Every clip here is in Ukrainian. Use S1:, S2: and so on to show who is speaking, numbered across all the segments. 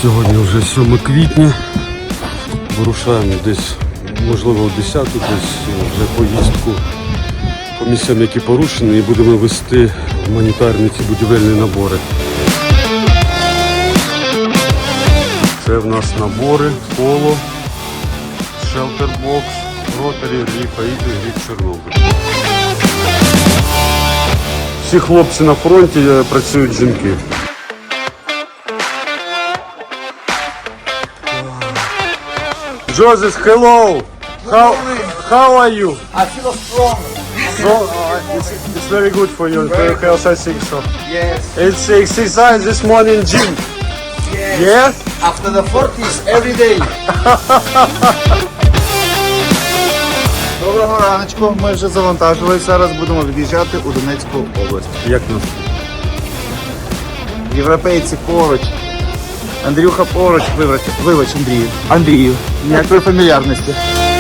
S1: Сьогодні вже 7 квітня. Вирушаємо десь, можливо, о 10, десь вже поїздку по місцям, які порушені, і будемо вести гуманітарні ці будівельні набори. Це в нас набори: Поло, Шелтербокс, Ротарі, Реліф Аїда і Грід Чорнобиль. Всі хлопці на фронті, працюють жінки. Joseph, hello. How are you?
S2: I feel strong.
S1: It's very good for you, for your health, I think so.
S2: Yes.
S1: It's exercise this morning, gym.
S2: Yes.
S1: Yeah?
S2: After the 40s, every day. Доброго раночку. Ми вже завантажились. Зараз будемо від'їжджати у Донецьку область.
S1: Як нас?
S2: Європейці поруч. Андрюха поруч. Вибач, Андрію. Андрію. Ніякої фамільярності.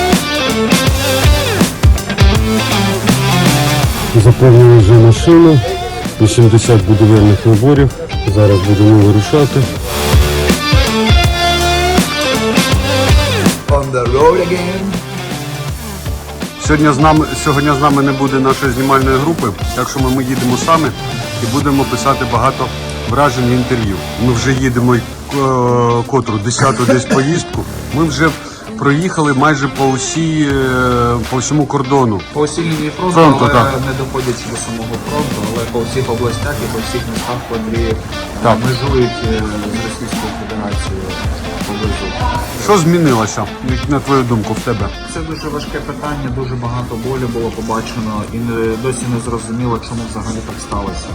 S1: Заповнили вже машину, 80 будівельних наборів. Зараз будемо вирушати.
S2: On the road again.
S1: Сьогодні з нами не буде нашої знімальної групи, так що ми їдемо самі і будемо писати багато вражень і інтерв'ю. Ми вже їдемо котру 10-ту десь поїздку. Ми вже проїхали майже по всьому кордону.
S3: По всій лінії фронту,
S1: Фронту,
S3: але
S1: так.
S3: не доходячи до самого фронту, але по всіх областях і по всіх містах, котрі
S1: Так.
S3: межують з Російською Федерацією поблизу.
S1: Що змінилося, на твою думку, в тебе?
S3: Це дуже важке питання, дуже багато болю було побачено і досі не зрозуміло, чому взагалі так сталося.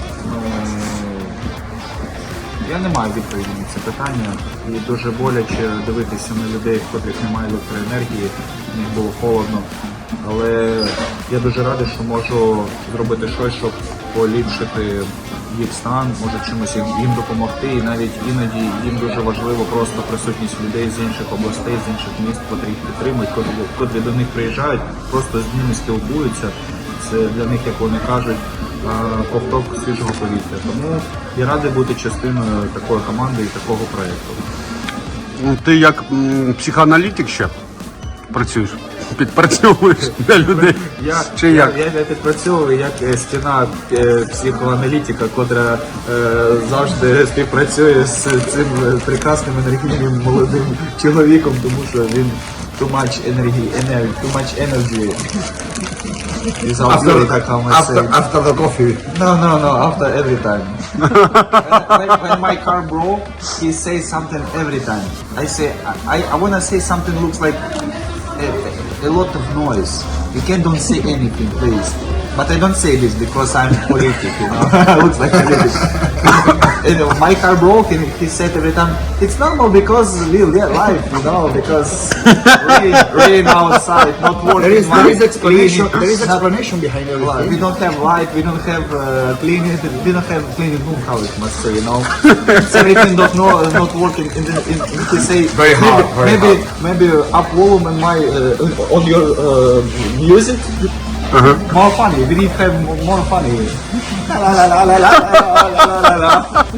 S3: Я не маю відповіді на це питання, і дуже боляче дивитися на людей, в котрих немає електроенергії, в них було холодно. Але я дуже радий, що можу зробити щось, щоб поліпшити їх стан, може чимось їм допомогти. І навіть іноді їм дуже важливо просто присутність людей з інших областей, з інших міст, котрі їх підтримують, котрі до них приїжджають, просто з ними спілкуються. Це для них, як вони кажуть, ковток свіжого повітря. Тому я радий бути частиною такої команди і такого проєкту.
S1: Ти як психоаналітик ще працюєш? Підпрацьовуєш для людей? Чи як?
S3: Я підпрацьовую як стіна психоаналітика, котра завжди співпрацює з цим прекрасним енергійним молодим чоловіком, тому що він too much energy. Is
S2: After the coffee.
S3: No, after every time. when my car broke, he says something every time. I say, I want to say something looks like a lot of noise. You don't say anything, please. But I don't say this because I'm politic, you know. Looks like politic. My car broke and he said every time, it's normal because we live life, you know, because rain outside, not working.
S2: There is explanation behind everything.
S3: We don't have light, we don't have we don't have cleaning room, how it must say, you know. Everything not working. And he say
S2: Very hard,
S3: maybe up volume in my on your music. More funny. We need to have more funny. La la la la la la la la.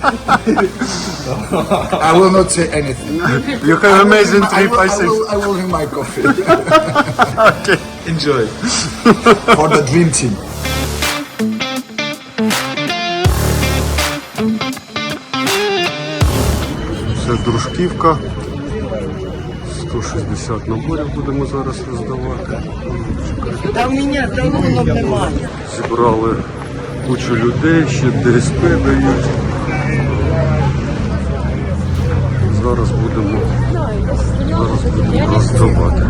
S2: I will not say anything.
S1: You have amazing trip, I think.
S2: I will drink my coffee.
S1: Okay.
S3: Enjoy.
S2: For the dream team.
S1: Це Дружківка. 160 наборів будемо зараз роздавати.
S4: Та в мене талонів немає.
S1: Зібрали кучу людей, ще ДСП дають. Зараз будемо роздавати.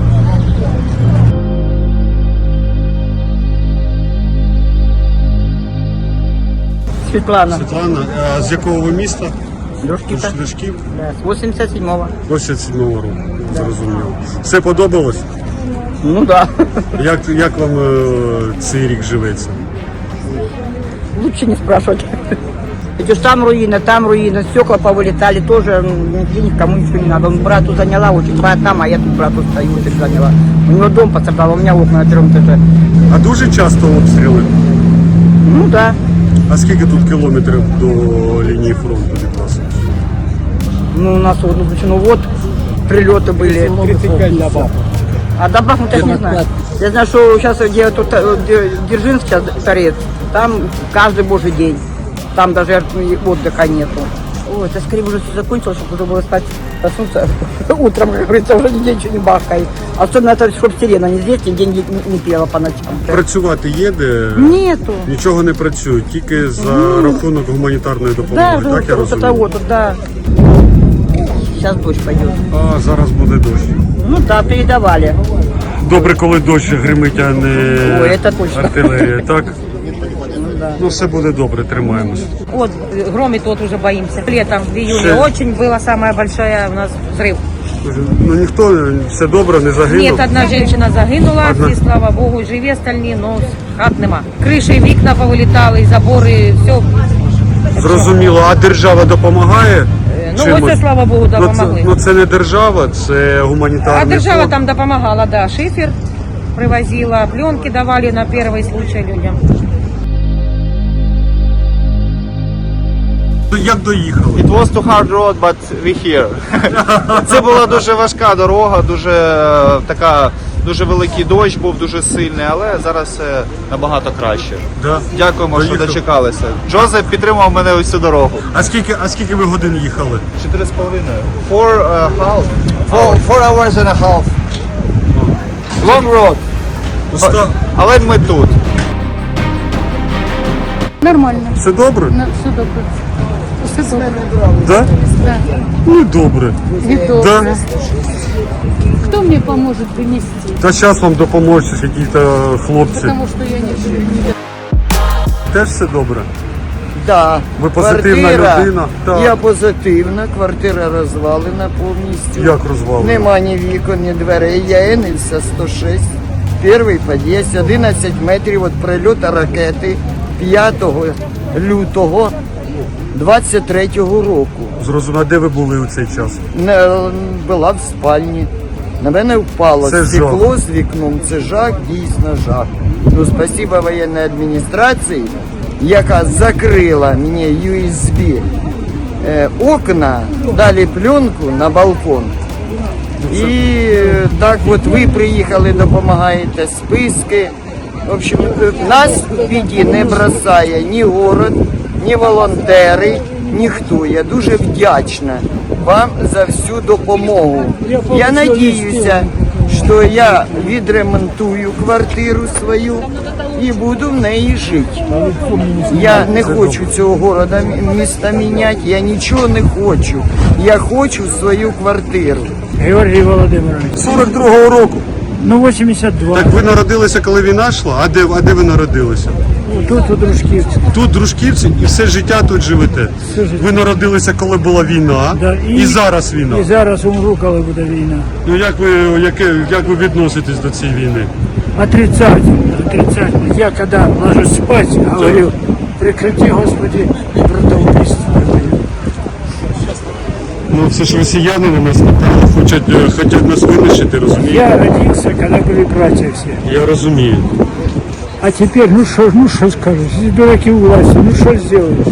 S4: Світлана.
S1: Світлана, а з якого ви міста?
S4: Дружківка.
S1: Дружків?
S4: З 87-го.
S1: 87-го року. Зрозуміло. Все подобалось?
S4: Ну да.
S1: Як вам цей рік живеться?
S4: Лучше не спрашивать. Идешь, там руина, стекла повылетали тоже, нигде никому ничего не надо. Он брату заняла, очень брат там, а я тут брату стою, очень заняла. У него дом пострадал, у меня окна на 1-м этаже.
S1: А дуже часто обстріли?
S4: Ну да.
S1: А скільки тут кілометрів до лінії фронту від вас?
S4: Ну, у нас вот, ну вот, прилеты были. 35 добав. А добав мы так не знаю. Я знаю, что сейчас где тут Дзержинск сейчас торец, там каждый божий день. Там даже отдыха нету. Ой, это скорее уже все закончилось, чтобы уже было спать, проснуться утром, как говорится, уже нигде ничего не бахает. Особенно это, чтобы сирена не здесь, нигде не пела по ночам.
S1: Працювати є де?
S4: Нету.
S1: Нічого не працює, тільки за рахунок гуманітарної
S4: Да,
S1: допомоги, так я
S4: вот это
S1: розумію?
S4: вот, да. Сейчас дождь пойдет.
S1: А зараз буде дощ.
S4: Ну да, передавали.
S1: Добре, коли дощ гримить, а не
S4: Ой, це точно.
S1: артилерія, так? Ну все буде добре, тримаємось.
S5: Вот громит, вот уже боимся. Летом, в июле,
S1: Все.
S5: очень была самая большая у нас взрыв.
S1: Ну ніхто, все добре, не загинув.
S5: Нет, одна женщина загинула,
S1: Одна.
S5: всі, слава Богу, живі остальні, но хат нема. Криші, вікна повилітали, і забори, все.
S1: Зрозуміло, а держава допомагає?
S5: Ну,
S1: чимось?
S5: оце, слава Богу,
S1: Ну,
S5: допомогли.
S1: це, ну це не держава, це гуманітарний
S5: А держава
S1: фонд.
S5: там допомагала, да, шифер привозила, пленки давали на перший случай людям.
S1: Як доїхали?
S2: It was too hard road, but we here. Це була дуже важка дорога, дуже великий дощ був, дуже сильний, але зараз все набагато краще.
S1: Да.
S2: Дякуємо, що
S1: Доїхали.
S2: дочекалися. Джозеф підтримав мене усю дорогу.
S1: А скільки ви годин їхали?
S2: 4,5. 4 hours and a half. Long road. Але ми тут.
S6: Нормально,
S1: Все добре?
S6: все добре. Все добре.
S1: Да?
S6: Да.
S1: Ну добре.
S6: И
S1: Да?
S6: добре. Кто мне поможет вынести?
S1: Та зараз вам допоможуть якісь хлопці.
S6: Потому что я не
S1: Теж все добре?
S7: Да.
S1: Ви позитивна людина? Так.
S7: Я позитивна, квартира розвалена повністю.
S1: Як розвалена?
S7: Нема ні вікон, ні дверей. Я Енельса 106, перший під'їзд, 11 метрів від прильоту ракети 5 лютого 23-го року.
S1: Зрозуміло, а де ви були у цей час?
S7: Була в спальні. На мене впало
S1: Це
S7: стекло з вікном. Це жах, дійсно жах. Ну, спасибо воєнній адміністрації, яка закрила мені USB окна, дали пленку на балкон. І так от ви приїхали, допомагаєте, списки. В общем, нас в біді не бросає ні город, ні волонтери, ніхто. Я дуже вдячна вам за всю допомогу. Я надіюся, що я відремонтую квартиру свою і буду в неї жити. Я не хочу цього города, міста міняти, я нічого не хочу. Я хочу свою квартиру.
S8: Георгій Володимирович.
S1: 42-го року.
S8: Ну, 82.
S1: Так ви народилися, коли війна йшла? А де ви народилися?
S8: Тут у Дружківці.
S1: Тут, в Дружківці, і все життя тут живете?
S8: Все життя.
S1: Ви народилися, коли була війна,
S8: Да,
S1: і зараз війна.
S8: І зараз умру, коли буде війна.
S1: Ну як ви відноситесь до цієї війни?
S8: Отрицательно, отрицательно. Я когда ложусь спать, говорю, прекрати, Господи, братоубийство.
S1: Ну це ж росіяни на нас напали, хочуть нас винищити, розумієте?
S8: Я родился, когда были братья все.
S1: Я розумію.
S8: А теперь, ну что скажешь, здесь дураки у власти, ну что сделаешь?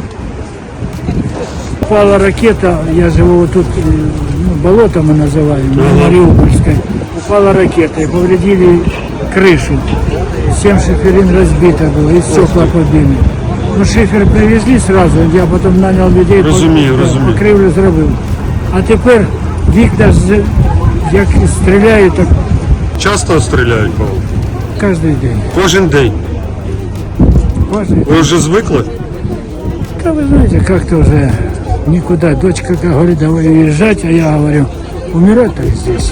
S8: Упала ракета, я живу вот тут, ну, болото мы называем, на Мариупольской. Упала ракета и повредили крышу. 7 шиферин разбито было, и стекла побили. Ну, шифер привезли сразу, я потом нанял людей,
S1: Розумію.
S8: покривлю зробив. А тепер вікна, як стріляють, так
S1: Часто стріляють, Павло?
S8: кожен день.
S1: Кожен день.
S8: Кожен.
S1: Ви вже звикли?
S8: Да вы знаете, как-то уже никуда. Дочка как говорит, давай уезжать, а я говорю, умирать так здесь.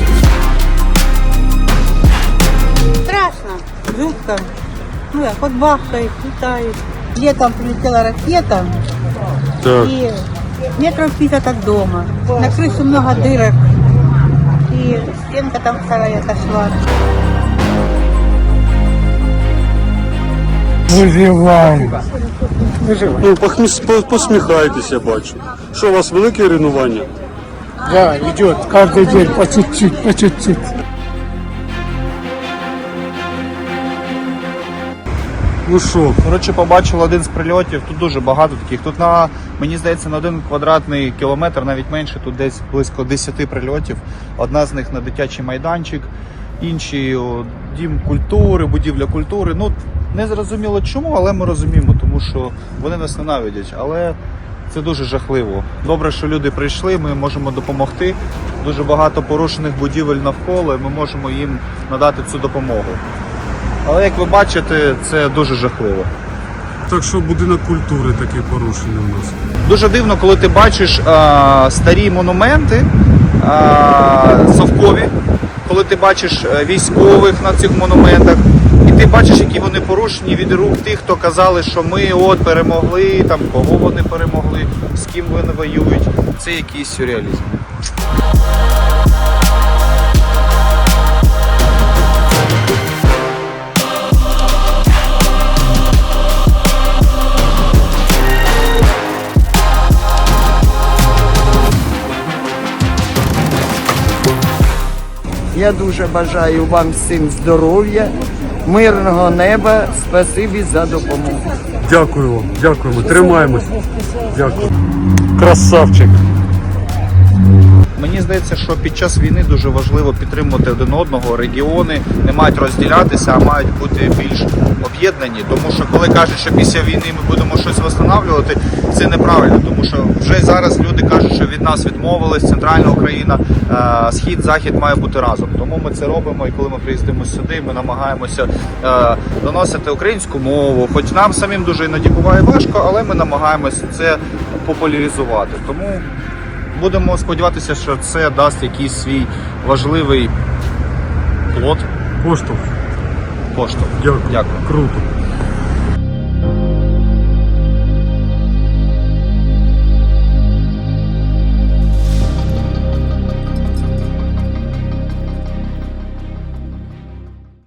S9: Страшно, жутко. Ну, хоть бахкает, летает. Летом прилетела ракета,
S1: Так.
S9: и метров 50 от дома. На крыше много дырок, и стенка там вторая отошла.
S8: Выживаем.
S1: Ну, посміхайтеся, я бачу. Що, у вас велике руйнування?
S8: Да, идет каждый день по чуть-чуть, по чуть-чуть.
S1: Ну що,
S2: Коротше, побачили один з прильотів. Тут дуже багато таких. Тут мені здається, на 1 квадратний кілометр, навіть менше, тут десь близько 10 прильотів. Одна з них на дитячий майданчик, інші дім культури, будівля культури. Ну, не зрозуміло чому, але ми розуміємо, тому що вони нас ненавидять. Але це дуже жахливо. Добре, що люди прийшли, ми можемо допомогти. Дуже багато порушених будівель навколо, і ми можемо їм надати цю допомогу. Але як ви бачите, це дуже жахливо.
S1: так що будинок культури такий порушений у нас.
S2: Дуже дивно, коли ти бачиш старі монументи совкові, коли ти бачиш військових на цих монументах, і ти бачиш, які вони порушені від рук тих, хто казали, що ми от перемогли, там кого вони перемогли, з ким вони воюють. Це якийсь сюрреалізм.
S7: Я дуже бажаю вам всім здоров'я, мирного неба, спасибі за допомогу.
S1: Дякую вам, дякуємо, тримаємось. Дякую. Красавчик.
S2: Мені здається, що під час війни дуже важливо підтримувати один одного. Регіони не мають розділятися, а мають бути більш об'єднані. Тому що коли кажуть, що після війни ми будемо щось встановлювати, це неправильно. Тому що вже зараз люди кажуть, що від нас відмовились, центральна Україна, схід, захід має бути разом. Тому ми це робимо. І коли ми приїздимо сюди, ми намагаємося доносити українську мову. Хоч нам самим дуже іноді буває важко, але ми намагаємося це популяризувати. Тому будемо сподіватися, що це дасть якийсь свій важливий плод.
S1: Поштовх.
S2: Поштовх.
S1: Дякую.
S2: Дякую.
S1: Круто.